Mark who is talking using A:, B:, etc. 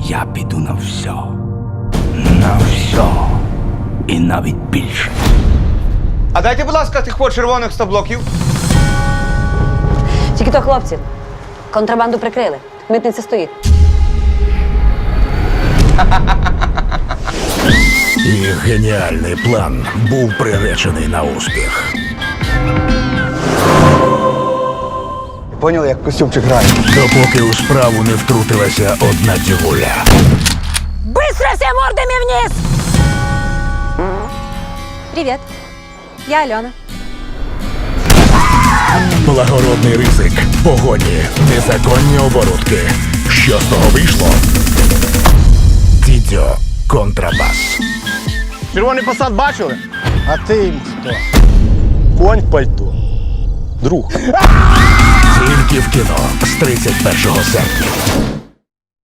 A: Я піду на все. На все. І навіть більше.
B: А дайте, будь ласка, тих червоних 100 блоків.
C: Тільки то, хлопці, контрабанду прикрили. Митниця стоїть.
D: Їх геніальний план був приречений на успіх.
B: Поняли, як костюмчик грає?
D: Допоки у справу не втрутилася одна дівуля.
C: Быстро все мордами вниз! Привет, я Альона.
D: Благородний ризик, погоні, незаконні оборудки. Що з того вийшло? Дідьо контрабас.
E: Червоний посад бачили? А ти їм хто? Конь в пальто. Друг.
D: Тільки в кіно з 31 серпня.